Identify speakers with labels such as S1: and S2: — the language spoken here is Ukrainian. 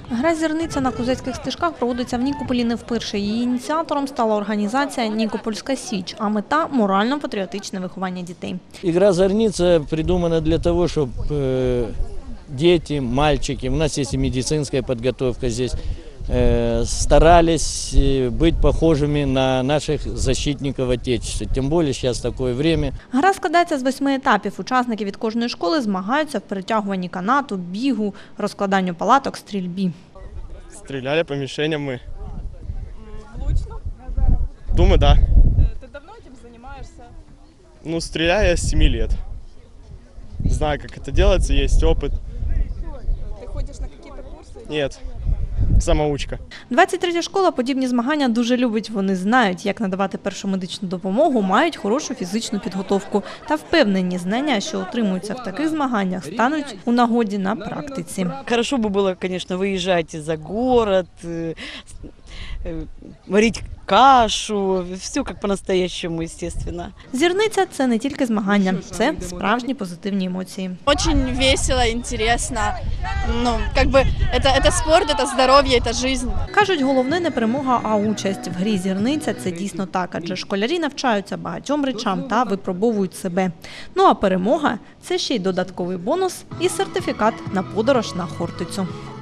S1: Гра «Зірниця» на козацьких стежках проводиться в Нікополі не вперше. Її ініціатором стала організація «Нікопольська Січ», а мета – морально-патріотичне виховання дітей.
S2: Игра «Зорница» придумана для того, чтобы дети, мальчики, у нас есть и медицинская подготовка здесь, старались быть похожими на наших защитников Отечества. Тем более сейчас такое время.
S1: Гра складається з 8 етапів. Учасники від кожної школи змагаються в перетягуванні канату, бігу, розкладанню палаток, стрільбі.
S3: Стреляли по мишеням мы.
S4: Влучно?
S3: Думаю, да.
S4: Ты давно этим занимаешься?
S3: Ну, стреляю я с 7 лет. Знаю, как это делается, есть опыт.
S4: Ты ходишь на какие-то курсы?
S3: Нет, самоучка.
S1: 23-я школа подібні змагання дуже любить. Вони знають, як надавати першу медичну допомогу, мають хорошу фізичну підготовку. Та впевнені, знання, що отримуються в таких змаганнях, стануть у нагоді на практиці.
S5: Хорошо бы было, конечно, выезжать за город, варить кашу, все как по-настоящему, естественно.
S1: Зірниця – це не тільки змагання, це справжні позитивні емоції.
S6: Очень весело, интересно. Ну, как бы это спорт, это здоровье, это жизнь.
S1: Кажуть, головне не перемога, а участь. В грі «Зірниця» це дійсно так, адже школярі навчаються багатьом речам та випробовують себе. Ну а перемога – це ще й додатковий бонус і сертифікат на подорож на Хортицю.